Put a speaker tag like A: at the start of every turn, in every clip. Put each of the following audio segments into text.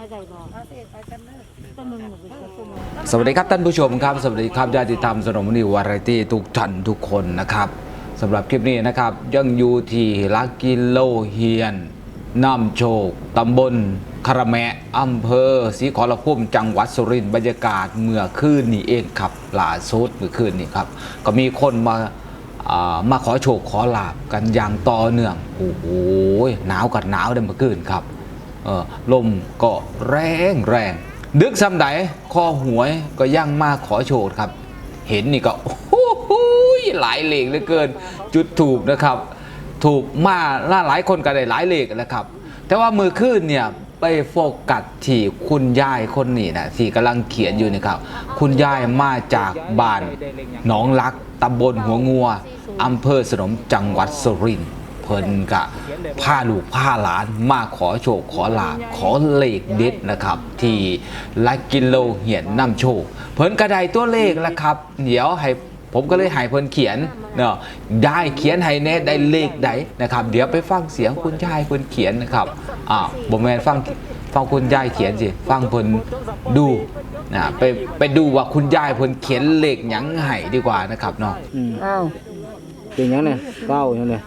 A: สวัสดีครับท่านผู้ชมครับสวัสดีครับญาติธรรมสนมนิววาไรตี้ทุกท่านทุกคนนะครับสำหรับคลิปนี้นะครับยังอยู่ที่ลักกิโลเฮียนน้ำโชคตำบลคาราแมะอำเภอศรีขอรภูมิจังหวัดสุรินทร์บรรยากาศเมื่อคืนนี้เองครับล่าสุดเมื่อคืนนี้ครับก็มีคนมาขอโชคขอลาบกันอย่างต่อเนื่องโอ้โหหนาวกับหนาวเมื่อคืนครับลมก็แรงดึกซ้ำใดคอหวยก็ยังมาขอโชคครับเห็นนี่ก็โอ้โหหลายเลขเหลือเกินจุดถูกนะครับถูกมาหลายคนก็ได้หลายเลขนะครับแต่ว่ามือขึ้นเนี่ยไปโฟกัสที่คุณยายคนนี้นะที่กำลังเขียนอยู่นี่ครับคุณยายมาจากบ้านหนองลักตำบลหัวงัวอำเภอสนมจังหวัดสุรินทร์เพิ่นกะพาลูกพาหลานมาขอโชคขอลาภขอเลขเด็ดนะครับที่ลักกิโลเหียนน้ำโชคเพิ่นกระไดตัวเลขแล้วครับเดี๋ยวให้ผมก็เลยให้เพิ่นเขียนเนาะได้เขียนให้แน่ได้เลขใดนะครับเดี๋ยวไปฟังเสียงคุณยายเพิ่นเขียนนะครับบ่แม่นฟังคุณยายเขียนสิฟังเพิ่นดูนะไปดูว่าคุณยายเพิ่นเขียนเลขหยังให้ดีกว่านะครับเนาะ
B: เป็นยังเนี่ย9ยังเนี่ย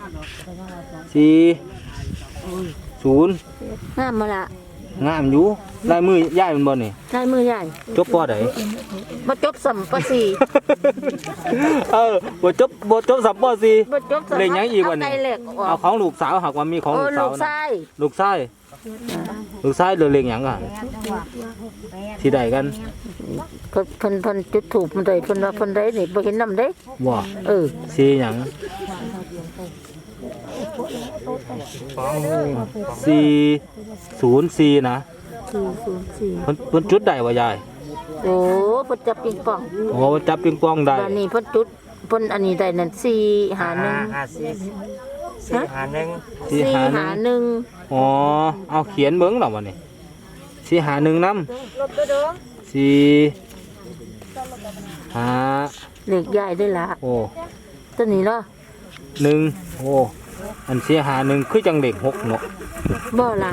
B: 40
C: งามมาละ
B: งามอยู่ลายมือย่ายมันบ่นี่
C: ลายมือใหญ่
B: จบปอใด
C: บ่จบสัมปะสี่
B: บ่จบสัมปอสี่
C: บ่จบสัม
B: เลขหยังอีกบ่นี่เอาของลูกสาวหากว่ามีของลูกสาวนะลูกชายเหลือเลขหยังอ่ะที่ใดกัน
C: เพิ่นจุดถูกมันได้เพิ่นว่าเพิ่นได้นี่บ่เห็นนำเด้
B: บ่สีหยัง404นะ
C: 404
B: เพิ่นจุดได้บ่ยาย
C: โอ้เพิ่นจับปิงปอง
B: โอ้จับปิงปองได้
C: บัดนี้เพิ่นจุดเพิ่นอันนี้ได้นั่น451 451
B: อ๋อเอาเขียนเบิ่งแล้วบ่นี่451นำ
C: เลขใหญ่ได้ละ
B: โอ้
C: ตัวนี้เนาะ
B: 1โอ้อัน451คือจังเลข6เนาะ
C: บ่ล่ะ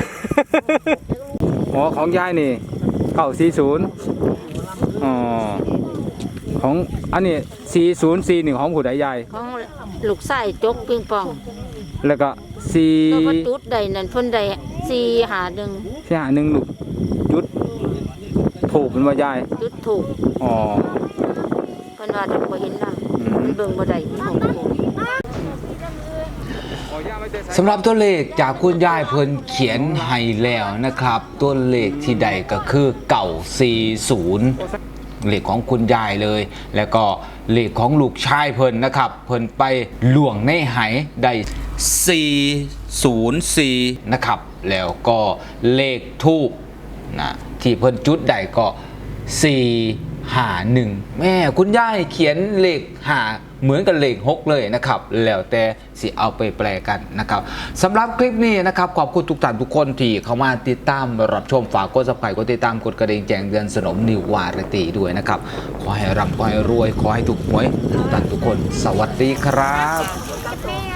B: อ๋อของยายนี่940อ๋อของอันนี้404นี่ของผู้ใดยาย
C: ของลูกชายจกปิงปอง
B: แล้วก็
C: ก็เพิ่นจุดได้นั่นเพิ่นได้
B: 451ลูกจุดถูกเป็นว่ายาย
C: จุดถูก
B: อ๋อ
C: เพิ่นว่าจะบ่เห็นนำเบิ่งบ่ได้
A: สำหรับตัวเลขจากคุณยายเพิ่นเขียนให้แล้วนะครับตัวเลขที่ใดก็คือ940เลขของคุณยายเลยแล้วก็เลขของลูกชายเพิ่นนะครับเพิ่นไปล่วงในไหได้404นะครับแล้วก็เลขทูปนะที่เพิ่นจุดได้ก็451แม่คุณยายเขียนเลข5เหมือนกับเลข6เลยนะครับแล้วแต่สิเอาไปแปลกันนะครับสำหรับคลิปนี้นะครับขอบคุณทุกท่านทุกคนที่เข้ามาติดตามรับชมฝากกด Subscribe กดติดตามกดกระดิ่งแจ้งเตือนสนมนิววาไรตี้ด้วยนะครับขอให้ร่ำขอให้รวยขอให้ถูกหวยทุกท่านทุกคนสวัสดีครับ